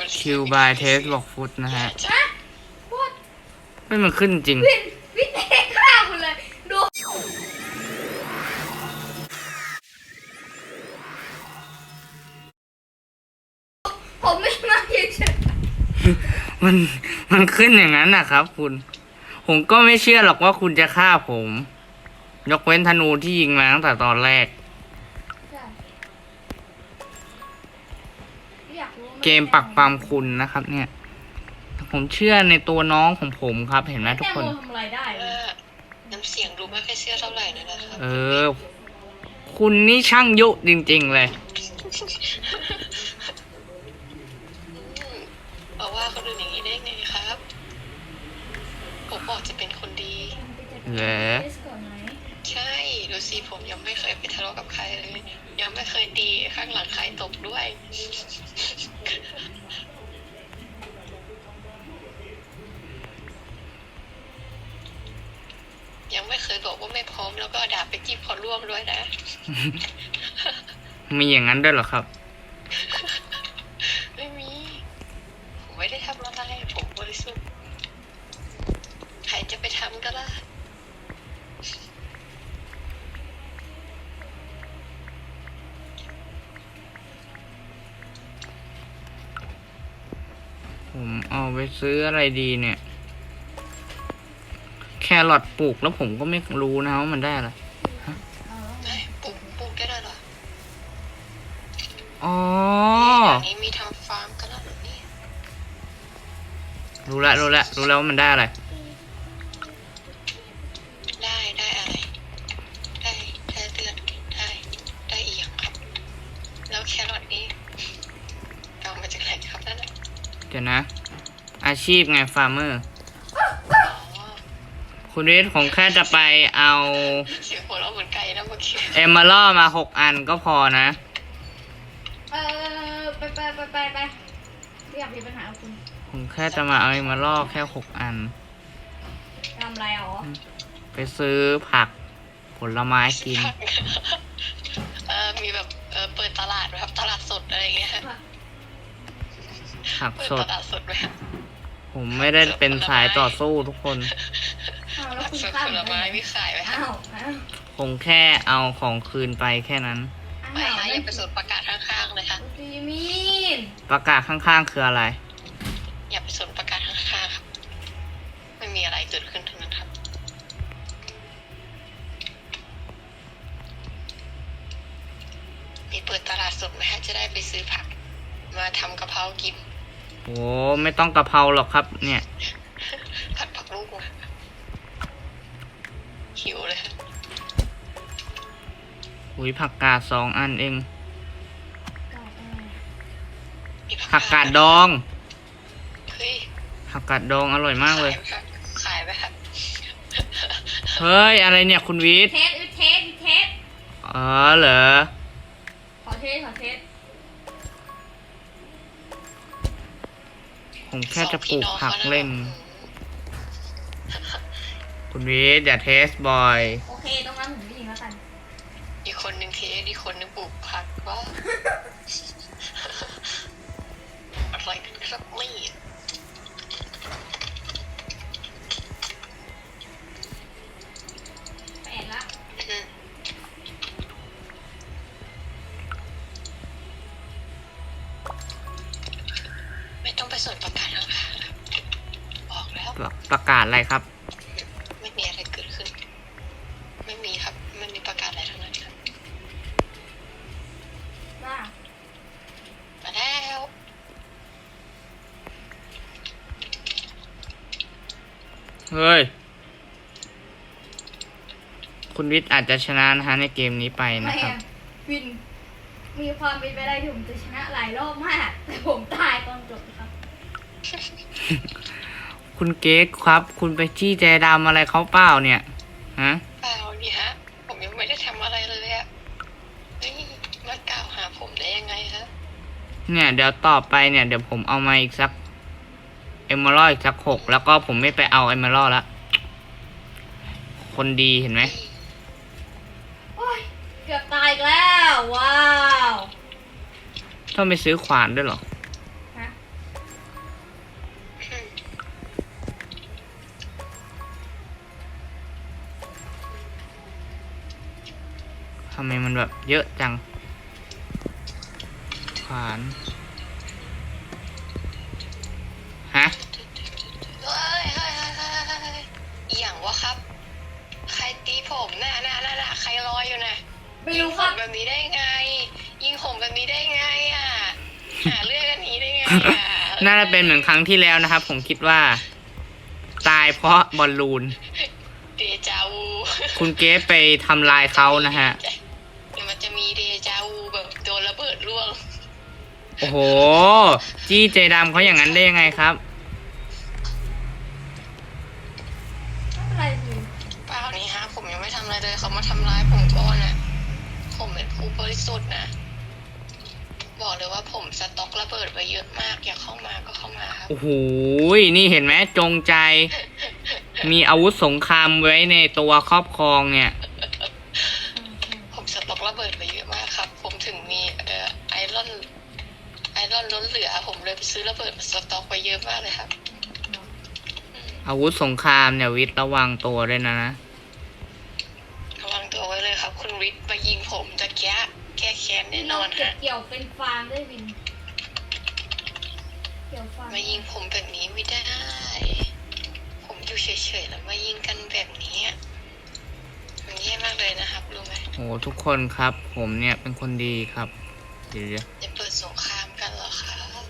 คิวบายเทสบอกฟุตนะฮะไม่มันขึ้นจริงวินเทฆ่าคุณเลยดูผมไม่มาเฉยมันขึ้นอย่างนั้นนะครับคุณผมก็ไม่เชื่อหรอกว่าคุณจะฆ่าผมยกเว้นธนูที่ยิงมาตั้งแต่ตอนแรกเกมปักปามคุณนะครับเนี่ยผมเชื่อในตัวน้องของผมครับเห็นไหมทุกคนทำอะไรได้น้ำเสียงดูไม่ค่อยเชื่อเท่าไหร่นะครับคุณนี่ช่างยุจริงๆเลยบอกว่าคนอื่นอย่างนี้ได้ไงครับผมบอกจะเป็นคนดีเหรอใช่ดูสิผมยังไม่เคยไปทะเลาะกับใครเลยยังไม่เคยตีข้างหลังใครตกด้วยยังไม่เคยบอกว่าไม่พร้อมแล้วก็ด่าไปจีบขอร่วมด้วยนะมีอย่างนั้นด้วยเหรอครับไม่มีผมไม่ได้ทำอะไรผมบริสุทธิ์ใครจะไปทำก็ได้ผมเอาไปซื้ออะไรดีเนี่ยแครอทปลูกแล้วผมก็ไม่รู้นะว่ามันได้อะไรปลูกได้เลยเหรออ๋ออย่างนี้มีทำฟาร์มกันแล้วนี่รู้แล้วว่ามันได้อะไรได้อะไรได้เลือดได้อีกอย่างครับแล้วแครอทนี้เอามาจากไหนครับนั่นน่ะเดี๋ยวนะอาชีพไงฟาร์มเมอร์คุณวิทย์ผมแค่จะไปเอาเสียงหัวเราะเหมือนไก่นะเมื่อกี้เอมเมอรัลมา6 อันก็พอนะไปไม่อยากมีปัญหากับคุณผมแค่จะมาเอาเอมเมอรัลแค่6 อันทำอะไรอ๋อไปซื้อผักผลไม้กินมีแบบเปิดตลาดแบบตลาดสดอะไรอย่างเงี้ยผักสดตลาดสดไหมผมไม่ได้เป็นสายต่อสู้ทุกคนผักสดผลไม้มีขายไหมครับผมแค่เอาของคืนไปแค่นั้นไม่ค่ะอย่าไปสนประกาศข้างๆเลยค่ะประกาศข้างๆคืออะไรอย่าไปสนประกาศข้างๆครับไม่มีอะไรเกิดขึ้นทั้งนั้นครับมีเปิดตลาดสดไหมฮะจะได้ไปซื้อผักมาทำกะเพรากินโอ้ไม่ต้องกะเพราหรอกครับเนี่ยผัดผักลูกหิวเลยอุ้ยผักกาด2 อันเองผักกาดดองผักกาดดองอร่อยมากเลยขายไหมครับเฮ้ยอะไรเนี่ยคุณวิทย์เทสอ๋อเหรอขอเทสผมแค่จะปลูกผักเล่นคุณวิทย์อย่าเทสบ่อยโอเคตรงนั้นผมไม่ยิงแล้วกันอีกคนนึงเทสอีกคนนึงปลูกผักว่าอะไรกันครับนี่แปดละไม่ต้องไปสนประกาศแล้วบอกแล้วประกาศอะไรครับไม่มีอะไรเกิดขึ้นไม่มีครับไม่มีประกาศอะไรทั้งนั้นครับมาแล้วเฮ้ยคุณวิทย์อาจจะชนะนะฮะในเกมนี้ไปนะครับวินมีความเป็นไปได้ที่ผมจะชนะหลายรอบมากแต่ผมตายตอนจบครับคุณเก๊กครับคุณไปจี้ใจดำอะไรเขาเปล่าเนี่ยฮะเปล่านี่ฮะผมยังไม่ได้ทำอะไรเลยอะนี่มากล่าวหาผมได้ยังไงฮะเนี่ยเดี๋ยวต่อไปเนี่ยเดี๋ยวผมเอามาอีกสักเอมเมอรัลอีกสัก6แล้วก็ผมไม่ไปเอาเอมเมอรัลละคนดีเห็นไหมโอ้ยเกือบตายแล้วว้าวต้องไปซื้อขวานด้วยเหรอฮะไมมันแบบเยอะจังขวานฮะเฮ้ยเฮ้ยเฮ้ยเฮ้ยเฮ้ยอหย่างวะครับ ใครตีผมน่ะใครรออยู่น่ะไม่ยิงรู้ผครัมบแบบนี้ได้ไง ยิงผมแบบนี้ได้ไงอ่ะ หาเรื่องกันนี้ได้ไงอ่ะน่าจะเป็นเหมือนครั้งที่แล้วนะครับ ผมคิดว่า ตายเพราะบอลลูนเดจาวูคุณเกฟไปทำลายเขานะฮะเดี๋ยวมันจะมีเดจาวูแบบโดนระเบิดร่วงโอ้โห จี้ใจดำเขาอย่างนั้นได้ยังไงครับไม่เป็นไรสิเปล่านี่ฮะ ผมยังไม่ทำอะไรเลยเขามาทำร้ายผมก่อนนะผมเป็นผู้บริสุทธิ์นะ บอกเลยว่าผมสต็อกระเบิดไว้เยอะมาก อยากเข้ามาก็เข้ามาครับโอ้โห นี่เห็นไหมจงใจ มีอาวุธสงครามไว้ในตัวครอบครองเนี่ยผมสต็อกระเบิดไว้เยอะมากครับ ผมถึงมีไอรอนล้นเหลือ ผมเลยไปซื้อระเบิดมาสต็อกไว้เยอะมากเลยครับอาวุธสงครามเนี่ยวิทย์ระวังตัวด้วยนะระวังตัวไว้เลยครับ คุณวิทย์มายิงผมจะแก้แค้นแน่นอนเก็บฮะเกี่ยวเป็นฟางด้วยวิน เกี่ยวฟางมายิงผมแบบนี้ไม่ได้ ผมอยู่เฉยๆแล้วมายิงกันแบบนี้อะมันแย่มากเลยนะครับรู้ไหมโอ้ทุกคนครับ ผมเนี่ยเป็นคนดีครับเดี๋ยวจะเปิดสงครามกันเหรอคะ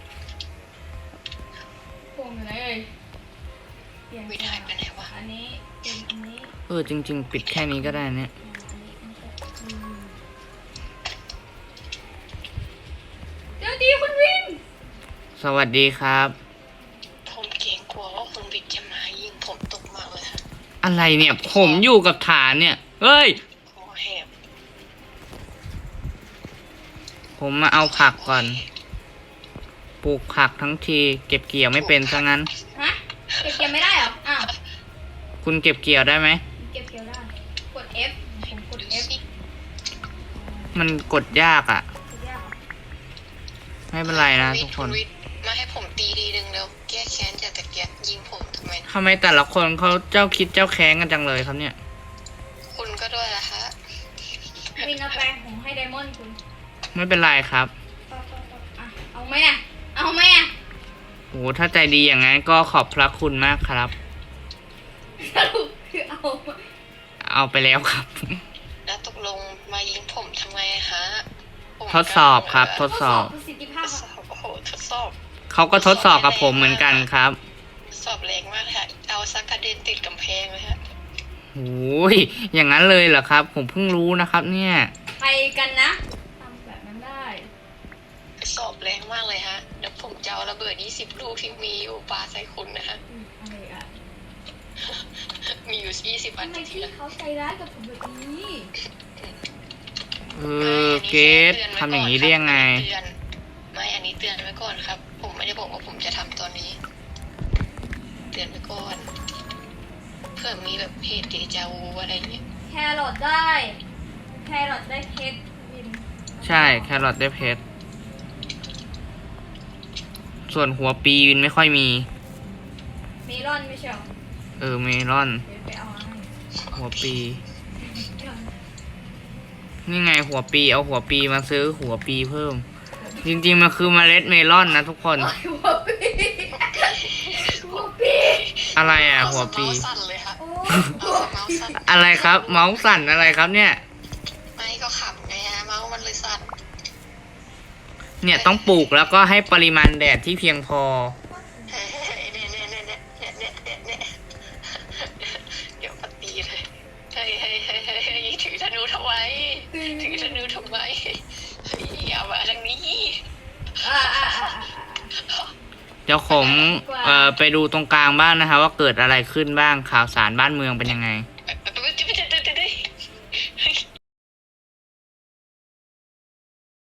พวงอยู่ไหนเอ่ยเปลี่ยนวิทย์หายไปไหนวะอันนี้เป็นอันนี้จริง ๆ ปิดแค่นี้ก็ได้เนี่ยอันนี้อันนี้เดี๋ยวดีคุณวินสวัสดีครับผมเกรงกลัวว่าคุณวิทย์จะมายิงผมตกมากเลยฮะอะไรเนี่ย ผมอยู่กับฐานเนี่ย เฮ้ยคอแหบผมมาเอาผักก่อน ปลูกผักทั้งทีเก็บเกี่ยวไม่เป็นซะงั้นฮะเก็บเกี่ยวไม่ได้เหรอ อ้าวคุณเก็บเกี่ยวได้ไหมเก็บเกี่ยวได้ กด F ผมกดดู F สิมันกดยากอ่ะกดยากเหรอไม่เป็นไรนะทุกคนณวิทย์มาให้ผมตีทีนึงแล้วแก้แค้นจากตะเกียบยิงผมทำไมทำไมแต่ละคนเขาเจ้าคิดเจ้าแค้นกันจังเลยครับเนี่ยคุณก็ด้วยล่ะฮะวินเอาแปลงผมให้ไดมอนด์คุณไม่เป็นไรครับอ่ะเอาไหมอ่ะ เอาไหมอ่ะโอ้ถ้าใจดีอย่างนั้นก็ขอบพระคุณมากครับสรุปคือเอาเอาไปแล้วครับแล้วตกลงมายิงผมทำไมฮะผมทดสอบครับทดสอบประสิทธิทภาพดสครับอบโอ้โหทดสอบเขาก็ทดสอบกับผมเหมือนกันครับสอบแรงมากเลยฮะเอาซักกระเด็นติดกำแพงเลยฮะโอ้ยอย่างนั้นเลยเหรอครับ ผมเพิ่งรู้นะครับ เนี่ยไปกันนะทำแบบนั้นได้สอบแรงมากเลยฮะเดี๋ยวผมจะเอาระเบิด20 ลูกที่มีอยู่ปาใส่คุณนะฮะอะไรอ่ะมีอยู่20 อันทำไมทีพี่ละเขาใจร้ายกับผมแบบนี้เกตทำอย่างนี้ได้ยังไงไม่อันนี้เตือนไว้ก่อนครับ ผมไม่ได้บอกว่าผมจะทำตอนนี้ เตือนไว้ก่อน เพื่อมีแบบเหตุเดจาวูอะไรอย่างเงี้ยแครอทได้ แครอทได้เพชรวินใช่แครอทได้เพชร ส่วนหัวปีวินไม่ค่อยมีเมลอนไม่ใช่เหรอเมลอนเดี๋ยวไปเอาให้หัวปี นี่ไงหัวปีเอาหัวปีมาซื้อหัวปีเพิ่ม จริงๆมันคือเมล็ดเมลอนนะทุกคนหัวปีหัวปีอะไรอ่ะ หัวปีเมาส์สั่นเลยครับโอ้เมาส์สั่นอะไรครับ เมาส์สั่นอะไรครับเนี่ยไม่ก็ขำไงฮะเมาส์มันเลยสั่นเนี่ยต้องปลูกแล้วก็ให้ปริมาณแดดที่เพียงพอเฮ้ยเนี่ยเดี๋ยวปตีเลยเฮ้ยถือธนูทำไมถือธนูทำไมเฮ้ยอย่ามาทางนี้อ่าเดี๋ยวผมไปดูตรงกลางบ้านนะคะว่าเกิดอะไรขึ้นบ้างข่าวสารบ้านเมืองเป็นยังไง